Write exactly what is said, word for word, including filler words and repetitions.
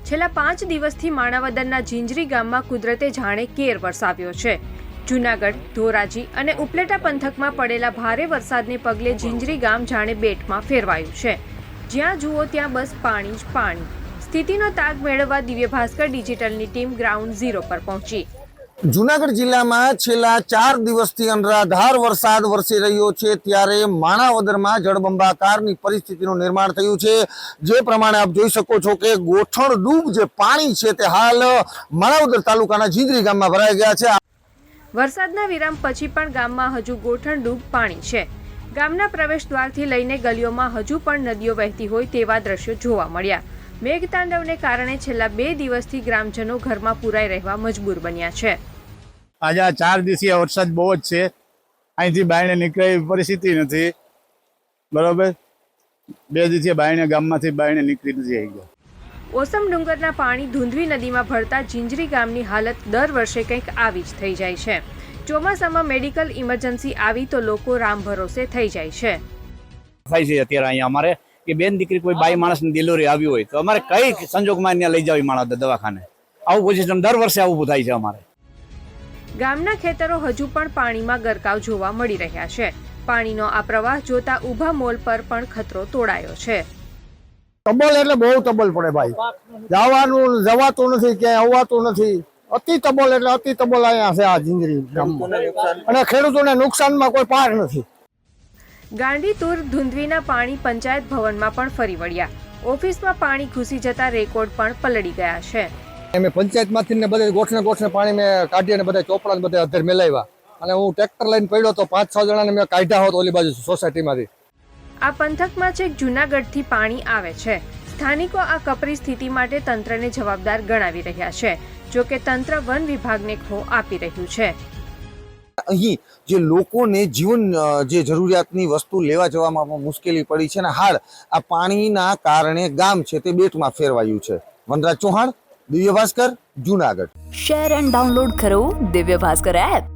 છેલ્લા પાંચ દિવસથી માણાવદરના ઝીંઝરી ગામમાં કુદરતે જાણે કેર વરસાવ્યો છે। જૂનાગઢ, ધોરાજી અને ઉપલેટા પંથકમાં પડેલા ભારે વરસાદને પગલે ઝીંઝરી ગામ જાણે બેટમાં ફેરવાયું છે। જ્યાં જુઓ ત્યાં બસ પાણી જ પાણી। સ્થિતિનો તાગ મેળવવા દિવ્ય ભાસ્કર ડિજિટલની ટીમ ગ્રાઉન્ડ ઝીરો પર પહોંચી। જૂનાગઢ જિલ્લામાં છેલ્લા ચાર દિવસથી અનરાધાર વરસાદ વરસી રહ્યો છે, ત્યારે માણાવદરમાં જળબંબાકારની પરિસ્થિતિનું નિર્માણ થયું છે। જે પ્રમાણે આપ જોઈ શકો છો કે ગોઠણ ડૂબ જે પાણી છે તે હાલ માણાવદર તાલુકાના ઝીંઝરી ગામમાં ભરાઈ ગયા છે। વરસાદના વિરામ પછી પણ ગામમાં હજુ ગોઠણ ડૂબ પાણી છે। ગામના પ્રવેશ દ્વારથી લઈને ગલીઓમાં હજુ પણ નદીઓ વહેતી હોય તેવા દ્રશ્યો જોવા મળ્યા। મેઘતાંડવને કારણે છેલ્લા બે દિવસથી ગ્રામજનો ઘરમાં પુરાઈ રહેવા મજબૂર બન્યા છે। આજે આ ચાર દિવસીય વરસાદ બહુ જ છે, અહીંથી બાયણે નીકળે એવી પરિસ્થિતિ નથી, બરોબર। બે દિવસીય બાયણે ગામમાંથી બાયણે નીકળી નથી આવી ગયા। ઓસમ ડુંગરના પાણી ધુંધવી નદીમાં ભળતા ઝીંઝરી ગામની હાલત દર વર્ષે કંઈક આવી જ થઈ જાય છે। ચોમાસામાં મેડિકલ ઇમરજન્સી આવી તો લોકો રામ ભરોસે થઈ જાય છે। થાય છે અત્યારે અહીંયા અમારે કે બેન દીકરી કોઈ બાઈ માણસની ડિલિવરી આવી હોય તો અમારે કઈ સંજોગમાં ત્યાં લઈ જવી માણસ દવાખાને, આવું પોઝિશન દર વર્ષે આવું થાય છે અમારે। ગામના ખેતરો હજુ પણ પાણીમાં ગરકાવ જોવા મળી રહ્યા છે। પાણીનો આ પ્રવાહ જોતા ઊભા મોલ પર પણ ખતરો તોડાયો છે। તબલ એટલે બહુ તબલ પડે ભાઈ, જવાનું જવાતું નથી, ક્યાંય આવવાતું નથી। અતિ તબલ એટલે અતિ તબલ અહીંયા છે આ ઝીંઝરી ગામમાં, અને ખેડૂતોને નુકસાનમાં કોઈ પાર નથી। ગાંડીતુર ધુંધવીના પાણી પંચાયત ભવનમાં પણ ફરી વળ્યા। ઓફિસમાં પાણી ઘૂસી જતા રેકોર્ડ પણ પલળી ગયા છે। અમે પંચાયતમાંથી ને બધા ગોઠને ગોઠને પાણી મેં કાઢી અને બધા ચોપડા બધા અધર મેલાવ્યા, અને હું ટ્રેક્ટર લઈને પડ્યો તો પાંચ છ જણાને મેં કાઢ્યા હોત ઓલી બાજુ સોસાયટીમાંથી। આ પંથકમાં છેક જૂનાગઢથી પાણી આવે છે। સ્થાનિકો આ કપરી સ્થિતિ માટે તંત્રને જવાબદાર ગણાવી રહ્યા છે, જો કે તંત્ર વન વિભાગને ખો આપી રહ્યું છે। અહીં જે લોકોને જીવન જે જરૂરિયાતની વસ્તુ લેવા જવામાં મુશ્કેલી પડી છે, ને હાલ આ પાણીના કારણે ગામ છે તે બેટમાં ફેરવાયું છે। Vanraj Chauhan, Divya Bhaskar, Junagadh. Share and download કરો દિવ્ય ભાસ્કર એપ।